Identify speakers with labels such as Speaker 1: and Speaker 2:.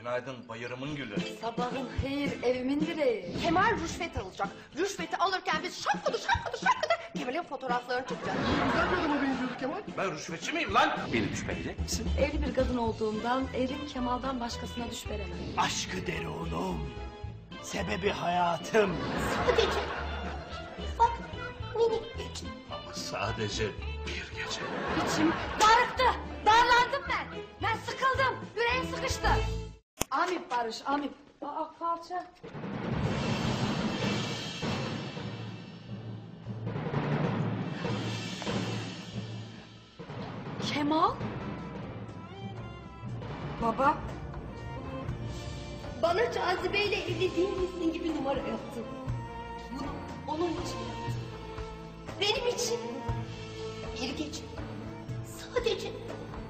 Speaker 1: Günaydın bayırımın gülü.
Speaker 2: Sabahın hayır, evimin direği.
Speaker 3: Kemal rüşvet alacak. Rüşveti alırken biz şapkadı Kemal'in fotoğraflarını çekeceğiz.
Speaker 4: Güzel bir adama benziyordu Kemal.
Speaker 1: Ben rüşvetçi miyim lan? Beni şüpheleyecek misin?
Speaker 2: Evli bir kadın olduğumdan elim Kemal'dan başkasına düş veremem.
Speaker 5: Aşkı derunum, sebebi hayatım.
Speaker 3: Sadece ufak minik bir şey.
Speaker 1: Ama sadece bir gece.
Speaker 2: İçim darıktı, darlandım ben. Ben sıkıldım, yüreğim sıkıştı. Amip Barış, amip. Aa kalça. Kemal? Baba?
Speaker 3: Bana cazibeyle evli değilmişsin gibi numara yaptın. Bunu onun için yaptın. Benim için. Bir gece. Sadece